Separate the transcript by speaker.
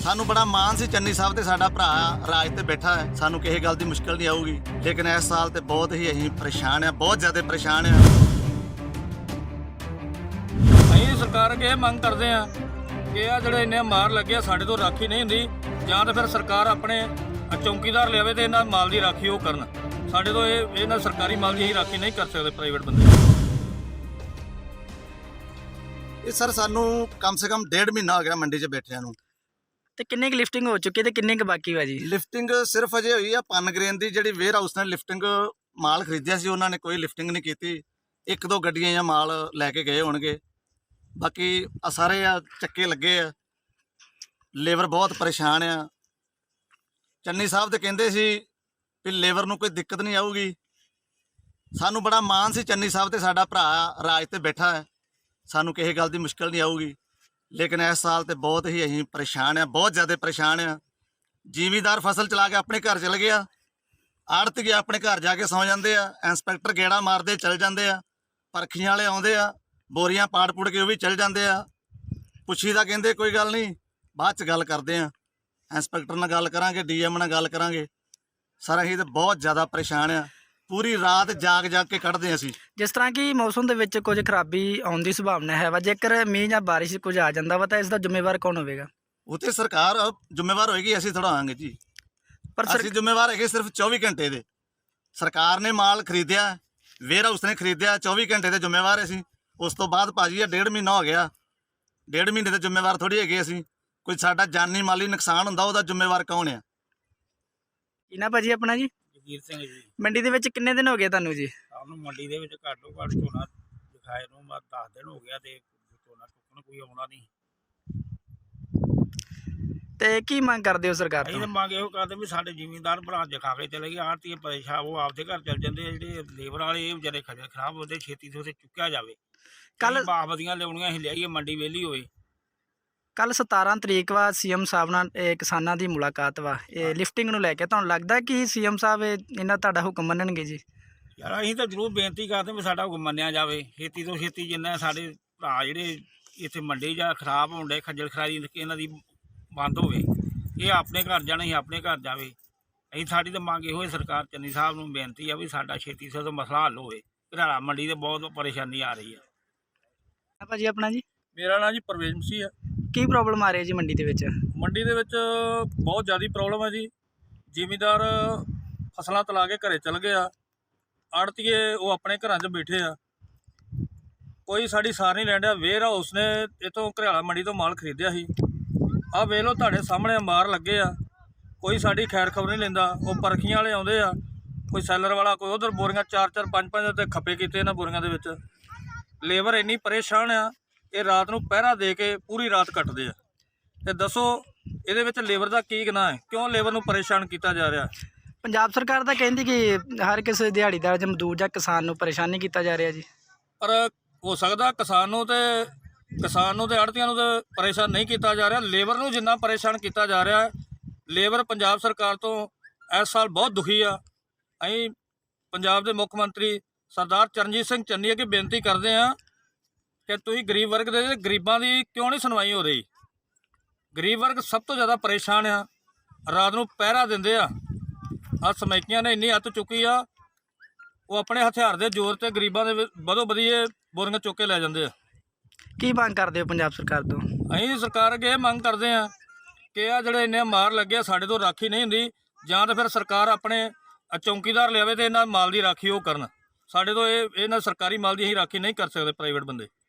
Speaker 1: ਸਾਨੂੰ ਬੜਾ ਮਾਣ ਸੀ ਚੰਨੀ ਸਾਹਿਬ ਤੇ ਸਾਡਾ ਭਰਾ ਰਾਜ ਤੇ ਬੈਠਾ ਹੈ, ਸਾਨੂੰ ਕਿਸੇ ਗੱਲ ਦੀ ਮੁਸ਼ਕਲ ਨਹੀਂ ਆਊਗੀ। ਲੇਕਿਨ ਇਸ ਸਾਲ ਤੇ ਬਹੁਤ ਹੀ ਅਸੀਂ ਪਰੇਸ਼ਾਨ ਆ, ਬਹੁਤ ਜ਼ਿਆਦਾ ਪਰੇਸ਼ਾਨ ਆ।
Speaker 2: ਅਸੀਂ ਸਰਕਾਰ ਅੱਗੇ ਇਹ ਮੰਗ ਕਰਦੇ ਆ ਕਿ ਆ ਜਿਹੜੇ ਇੰਨੇ ਮਾਰ ਲੱਗੇ ਆ ਸਾਡੇ ਤੋਂ ਰਾਖੀ ਨਹੀਂ ਹੁੰਦੀ, ਜਾਂ ਤਾਂ ਫਿਰ ਸਰਕਾਰ ਆਪਣੇ ਚੌਕੀਦਾਰ ਲਿਆਵੇ ਤੇ ਇਹਨਾਂ ਮਾਲ ਦੀ ਰਾਖੀ ਉਹ ਕਰਨ। ਸਾਡੇ ਤੋਂ ਇਹਨਾਂ ਸਰਕਾਰੀ ਮਾਲ ਦੀ ਅਸੀਂ ਰਾਖੀ ਨਹੀਂ ਕਰ ਸਕਦੇ ਪ੍ਰਾਈਵੇਟ ਬੰਦੇ।
Speaker 1: ਇਹ ਸਰ ਸਾਨੂੰ ਕਮ ਸੇ ਕਮ 1.5 ਮਹੀਨਾ ਹੋ ਗਿਆ ਮੰਡੀ 'ਚ ਬੈਠਿਆਂ ਨੂੰ।
Speaker 3: ਤੇ ਕਿੰਨੇ ਕੁ ਲਿਫਟਿੰਗ ਹੋ ਚੁੱਕੀ ਤੇ ਕਿੰਨੇ ਕੁ ਬਾਕੀ ਵਾ ਜੀ?
Speaker 1: ਲਿਫਟਿੰਗ ਸਿਰਫ ਅਜੇ ਹੋਈ ਆ ਪਨਗ੍ਰੇਨ ਦੀ, ਜਿਹੜੀ ਵੇਅਰ ਹਾਊਸ ਨੇ ਲਿਫਟਿੰਗ ਮਾਲ ਖਰੀਦਿਆ ਸੀ ਉਹਨਾਂ ਨੇ ਕੋਈ ਲਿਫਟਿੰਗ ਨਹੀਂ ਕੀਤੀ। 1-2 ਗੱਡੀਆਂ ਜਾਂ ਮਾਲ ਲੈ ਕੇ ਗਏ ਹੋਣਗੇ, ਬਾਕੀ ਆ ਸਾਰੇ ਆ ਚੱਕੇ ਲੱਗੇ ਆ। ਲੇਬਰ ਬਹੁਤ ਪਰੇਸ਼ਾਨ ਆ। ਚੰਨੀ ਸਾਹਿਬ ਤੇ ਕਹਿੰਦੇ ਸੀ ਵੀ ਲੇਬਰ ਨੂੰ ਕੋਈ ਦਿੱਕਤ ਨਹੀਂ ਆਊਗੀ। ਸਾਨੂੰ ਬੜਾ ਮਾਣ ਸੀ ਚੰਨੀ ਸਾਹਿਬ ਤੇ ਸਾਡਾ ਭਰਾ ਰਾਜ ਤੇ ਬੈਠਾ ਹੈ, ਸਾਨੂੰ ਕਿਸੇ ਗੱਲ ਦੀ ਮੁਸ਼ਕਲ ਨਹੀਂ ਆਊਗੀ। ਲੇਕਿਨ ਇਸ ਸਾਲ ਤੇ ਬਹੁਤ ਹੀ ਅਸੀਂ ਪਰੇਸ਼ਾਨ ਆ, ਬਹੁਤ ਜ਼ਿਆਦਾ ਪਰੇਸ਼ਾਨ ਆ। ਜ਼ਿਮੀਂਦਾਰ ਫਸਲ ਚਲਾ ਕੇ ਆਪਣੇ ਘਰ ਚਲ ਗਿਆ, ਆੜ੍ਹਤੀਏ ਆਪਣੇ ਘਰ ਜਾ ਕੇ ਸੌਂ ਜਾਂਦੇ ਆ, ਇੰਸਪੈਕਟਰ ਗੇੜਾ ਮਾਰਦੇ ਚਲ ਜਾਂਦੇ ਆ, ਪਰਖੀਆਂ ਵਾਲੇ ਆਉਂਦੇ ਆ, ਬੋਰੀਆਂ ਪਾੜ ਪੁੜ ਕੇ ਉਹ ਵੀ ਚਲ ਜਾਂਦੇ ਆ। ਪੁੱਛੀ ਦਾ ਕਹਿੰਦੇ ਕੋਈ ਗੱਲ ਨਹੀਂ, ਬਾਅਦ 'ਚ ਗੱਲ ਕਰਦੇ ਆ, ਇੰਸਪੈਕਟਰ ਨਾਲ ਗੱਲ ਕਰਾਂਗੇ, ਡੀਐਮ ਨਾਲ ਗੱਲ ਕਰਾਂਗੇ। ਸਰ ਅਸੀਂ ਤਾਂ ਬਹੁਤ ਜ਼ਿਆਦਾ ਪਰੇਸ਼ਾਨ ਆ, ਪੂਰੀ ਰਾਤ ਜਾਗ ਕੇ ਕੱਢਦੇ ਅਸੀਂ।
Speaker 3: ਜਿਸ ਤਰ੍ਹਾਂ ਕਿ ਮੌਸਮ ਦੇ ਵਿੱਚ ਕੁਝ ਖਰਾਬੀ ਆਉਣ ਦੀ ਸੰਭਾਵਨਾ ਹੈ ਵਾ, ਜੇਕਰ ਮੀਂਹ ਜਾਂ ਬਾਰਿਸ਼ ਕੁਝ ਆ ਜਾਂਦਾ ਵਾ ਤਾਂ ਇਸ ਦਾ ਜ਼ਿੰਮੇਵਾਰ ਕੌਣ ਹੋਵੇਗਾ?
Speaker 1: ਉਹ ਤੇ ਸਰਕਾਰ ਜ਼ਿੰਮੇਵਾਰ ਹੋਏਗੀ, ਅਸੀਂ ਥੋੜਾ ਆਵਾਂਗੇ ਜੀ।
Speaker 3: ਪਰ
Speaker 1: ਅਸੀਂ ਜ਼ਿੰਮੇਵਾਰ ਹੈਗੇ ਸਿਰਫ 24 ਘੰਟੇ ਦੇ। ਸਰਕਾਰ ਨੇ ਮਾਲ ਖਰੀਦਿਆ, ਵੇਅਰ ਹਾਊਸ ਨੇ ਖਰੀਦਿਆ, 24 ਘੰਟੇ ਦੇ ਜ਼ਿੰਮੇਵਾਰ ਅਸੀਂ। ਉਸ ਤੋਂ ਬਾਅਦ ਭਾਜੀ ਇਹ 1.5 ਮਹੀਨਾ ਹੋ ਗਿਆ, 1.5 ਮਹੀਨੇ ਦੇ ਜ਼ਿੰਮੇਵਾਰ ਥੋੜੀ ਹੈਗੇ ਅਸੀਂ। ਕੋਈ ਸਾਡਾ ਜਾਨੀ ਮਾਲੀ ਨੁਕਸਾਨ ਹੁੰਦਾ ਉਹਦਾ ਜ਼ਿੰਮੇਵਾਰ ਕੌਣ ਆ?
Speaker 3: ਕੀ ਨਾ ਭਾਜੀ ਆਪਣਾ ਜੀ?
Speaker 2: ਜਗੀਰ ਸਿੰਘ ਜੀ।
Speaker 3: ਮੰਡੀ ਦੇ ਵਿੱਚ ਕਿੰਨੇ ਦਿਨ ਹੋ ਗਏ ਤੁਹਾਨੂੰ ਜੀ?
Speaker 2: ਸਾਨੂੰ ਮੰਡੀ ਦੇ ਵਿੱਚ ਘੱਟੋ ਘੱਟ ਝੋਨਾ ਦਿਖਾਏ ਨੂੰ 10 ਦਿਨ ਹੋ ਗਿਆ ਤੇ ਝੋਨਾ ਚੁੱਕਣ ਕੋਈ ਆਉਣਾ ਨਹੀਂ।
Speaker 3: ਤੇ ਕੀ ਮੰਗ ਕਰਦੇ ਹੋ ਸਰਕਾਰ
Speaker 2: ਅਸੀਂ
Speaker 3: ਤੋਂ?
Speaker 2: ਤਾਂ ਮੰਗ ਇਹੋ ਕਰਦੇ ਵੀ ਸਾਡੇ ਜ਼ਿਮੀਂਦਾਰ ਭਰਾ ਦਿਖਾ ਕੇ ਚਲੇ ਗਏ, ਆੜ੍ਹਤੀਏ ਪਰੇਸ਼ਾਨ ਉਹ ਆਪਦੇ ਘਰ ਚੱਲ ਜਾਂਦੇ ਆ। ਜਿਹੜੇ ਲੇਬਰ ਵਾਲੇ ਇਹ ਵਿਚਾਰੇ ਖੱਜਲ ਖਰਾਬ ਹੁੰਦੇ, ਛੇਤੀ ਤੋਂ ਉੱਥੇ ਚੁੱਕਿਆ ਜਾਵੇ।
Speaker 3: ਕੱਲ੍ਹ
Speaker 2: ਬਾਬਦੀਆਂ ਲਿਆਉਣੀਆਂ ਅਸੀਂ ਲਿਆਈਏ, ਮੰਡੀ ਵਿਹਲੀ ਹੋਵੇ।
Speaker 3: ਕੱਲ 17 ਤਰੀਕ ਵਾ ਸੀਐਮ ਸਾਹਿਬ ਨਾਲ ਕਿਸਾਨਾਂ ਦੀ ਮੁਲਾਕਾਤ ਵਾ, ਇਹ ਲਿਫਟਿੰਗ ਨੂੰ ਲੈ ਕੇ ਤੁਹਾਨੂੰ ਲੱਗਦਾ ਕਿ ਸੀਐਮ ਸਾਹਿਬ ਇਹਨਾਂ ਤੁਹਾਡਾ ਹੁਕਮ ਮੰਨਣਗੇ ਜੀ?
Speaker 2: ਯਾਰ ਅਸੀਂ ਤਾਂ ਜ਼ਰੂਰ ਬੇਨਤੀ ਕਰਦੇ ਵੀ ਸਾਡਾ ਹੁਕਮ ਮੰਨਿਆ ਜਾਵੇ, ਛੇਤੀ ਤੋਂ ਛੇਤੀ। ਜਿੰਨਾ ਸਾਡੇ ਭਰਾ ਜਿਹੜੇ ਇੱਥੇ ਮੰਡੀ ਜਾਂ ਖਰਾਬ ਹੋਣ ਡੇ, ਖੱਜਲ ਖਰਾਰੀ ਇਹਨਾਂ ਦੀ ਬੰਦ ਹੋਵੇ, ਇਹ ਆਪਣੇ ਘਰ ਜਾਣ, ਅਸੀਂ ਆਪਣੇ ਘਰ ਜਾਵੇ। ਅਸੀਂ ਸਾਡੀ ਤਾਂ ਮੰਗ ਇਹੋ ਸਰਕਾਰ ਚੰਨੀ ਸਾਹਿਬ ਨੂੰ ਬੇਨਤੀ ਆ ਵੀ ਸਾਡਾ ਛੇਤੀ ਤੋਂ ਮਸਲਾ ਹੱਲ ਹੋਵੇ। ਘਰਾਲਾ ਮੰਡੀ ਤੇ ਬਹੁਤ ਪਰੇਸ਼ਾਨੀ ਆ ਰਹੀ ਆ।
Speaker 3: ਭਾਜੀ ਆਪਣਾ ਜੀ?
Speaker 2: ਮੇਰਾ ਨਾਂ ਜੀ ਪਰਵੇਜ਼ ਮਸੀਹ ਆ।
Speaker 3: ਕੀ ਪ੍ਰੋਬਲਮ ਆ ਰਹੀ ਹੈ ਜੀ ਮੰਡੀ ਦੇ ਵਿੱਚ?
Speaker 2: ਮੰਡੀ ਦੇ ਵਿੱਚ ਬਹੁਤ ਜ਼ਿਆਦਾ ਪ੍ਰੋਬਲਮ ਹੈ ਜੀ। ਜ਼ਿਮੀਂਦਾਰ ਫਸਲਾਂ ਤਲਾ ਕੇ ਘਰੇ ਚਲ ਗਏ ਆ, ਆੜ੍ਹਤੀਏ ਉਹ ਆਪਣੇ ਘਰਾਂ 'ਚ ਬੈਠੇ ਆ, ਕੋਈ ਸਾਡੀ ਸਾਰ ਨਹੀਂ ਲੈਣ ਡਿਆ। ਵੇਅਰ ਹਾਊਸ ਨੇ ਇੱਥੋਂ ਘਰਿਆਲਾ ਮੰਡੀ ਤੋਂ ਮਾਲ ਖਰੀਦਿਆ ਸੀ, ਆਹ ਵੇਖ ਲਓ ਤੁਹਾਡੇ ਸਾਹਮਣੇ ਮਾਰ ਲੱਗੇ ਆ, ਕੋਈ ਸਾਡੀ ਖੈਰ ਖਬਰ ਨਹੀਂ ਲੈਂਦਾ। ਉਹ ਪਰਖੀਆਂ ਵਾਲੇ ਆਉਂਦੇ ਆ, ਕੋਈ ਸੈਲਰ ਵਾਲਾ, ਕੋਈ ਉਧਰ ਬੋਰੀਆਂ 4-4 5-5 ਤੇ ਖੱਪੇ ਕੀਤੇ ਇਹਨਾਂ ਬੋਰੀਆਂ ਦੇ ਵਿੱਚ। ਲੇਬਰ ਇੰਨੀ ਪਰੇਸ਼ਾਨ ਆ, ਇਹ ਰਾਤ ਨੂੰ ਪਹਿਰਾ ਦੇ ਕੇ ਪੂਰੀ ਰਾਤ ਕੱਟਦੇ ਆ। ਤੇ ਦੱਸੋ ਇਹਦੇ ਵਿੱਚ ਲੇਬਰ ਦਾ ਕੀ ਗੁਨਾਹ ਹੈ? ਕਿਉਂ ਲੇਬਰ ਨੂੰ ਪਰੇਸ਼ਾਨ ਕੀਤਾ ਜਾ ਰਿਹਾ?
Speaker 3: ਪੰਜਾਬ ਸਰਕਾਰ ਤਾਂ ਕਹਿੰਦੀ ਕਿ ਹਰ ਕਿਸੇ ਦਿਹਾੜੀਦਾਰ ਜਾਂ ਮਜ਼ਦੂਰ ਜਾਂ ਕਿਸਾਨ ਨੂੰ ਪਰੇਸ਼ਾਨ ਨਹੀਂ ਕੀਤਾ ਜਾ ਰਿਹਾ ਜੀ।
Speaker 2: ਪਰ ਹੋ ਸਕਦਾ ਕਿਸਾਨ ਨੂੰ ਤੇ ਆੜ੍ਹਤੀਆਂ ਨੂੰ ਤੇ ਪਰੇਸ਼ਾਨ ਨਹੀਂ ਕੀਤਾ ਜਾ ਰਿਹਾ, ਲੇਬਰ ਨੂੰ ਜਿੰਨਾ ਪਰੇਸ਼ਾਨ ਕੀਤਾ ਜਾ ਰਿਹਾ। ਲੇਬਰ ਪੰਜਾਬ ਸਰਕਾਰ ਤੋਂ ਇਸ ਸਾਲ ਬਹੁਤ ਦੁਖੀ ਆ। ਅਸੀਂ ਪੰਜਾਬ ਦੇ ਮੁੱਖ ਮੰਤਰੀ ਸਰਦਾਰ ਚਰਨਜੀਤ ਸਿੰਘ ਚੰਨੀ ਅੱਗੇ ਬੇਨਤੀ ਕਰਦੇ ਹਾਂ ਕਿ ਤੁਸੀਂ ਗਰੀਬ ਵਰਗ ਦੇ ਗਰੀਬਾਂ ਦੀ ਕਿਉਂ ਨਹੀਂ ਸੁਣਵਾਈ ਹੋ ਰਹੀ? ਗਰੀਬ ਵਰਗ ਸਭ ਤੋਂ ਜ਼ਿਆਦਾ ਪਰੇਸ਼ਾਨ ਆ, ਰਾਤ ਨੂੰ ਪਹਿਰਾ ਦਿੰਦੇ ਆ। ਆਹ ਸਮੈਕੀਆਂ ਨੇ ਇੰਨੀ ਹੱਥ ਚੁੱਕੀ ਆ, ਉਹ ਆਪਣੇ ਹਥਿਆਰ ਦੇ ਜ਼ੋਰ ਤੇ ਗਰੀਬਾਂ ਦੇ ਵਧੋ ਵਧੀਏ ਬੋਰੀਆਂ ਚੁੱਕ ਕੇ ਲੈ ਜਾਂਦੇ ਆ।
Speaker 3: ਕੀ ਮੰਗ ਕਰਦੇ ਹੋ ਪੰਜਾਬ ਸਰਕਾਰ ਤੋਂ?
Speaker 2: ਅਸੀਂ ਸਰਕਾਰ ਅੱਗੇ ਇਹ ਮੰਗ ਕਰਦੇ ਹਾਂ ਕਿ ਆ ਜਿਹੜੇ ਇੰਨੇ ਮਾਰ ਲੱਗੇ ਆ ਸਾਡੇ ਤੋਂ ਰਾਖੀ ਨਹੀਂ ਹੁੰਦੀ, ਜਾਂ ਤਾਂ ਫਿਰ ਸਰਕਾਰ ਆਪਣੇ ਚੌਕੀਦਾਰ ਲਿਆਵੇ ਤੇ ਇਹਨਾਂ ਮਾਲ ਦੀ ਰਾਖੀ ਉਹ ਕਰਨ। ਸਾਡੇ ਤੋਂ ਇਹਨਾਂ ਸਰਕਾਰੀ ਮਾਲ ਦੀ ਅਸੀਂ ਰਾਖੀ ਨਹੀਂ ਕਰ ਸਕਦੇ ਪ੍ਰਾਈਵੇਟ ਬੰਦੇ।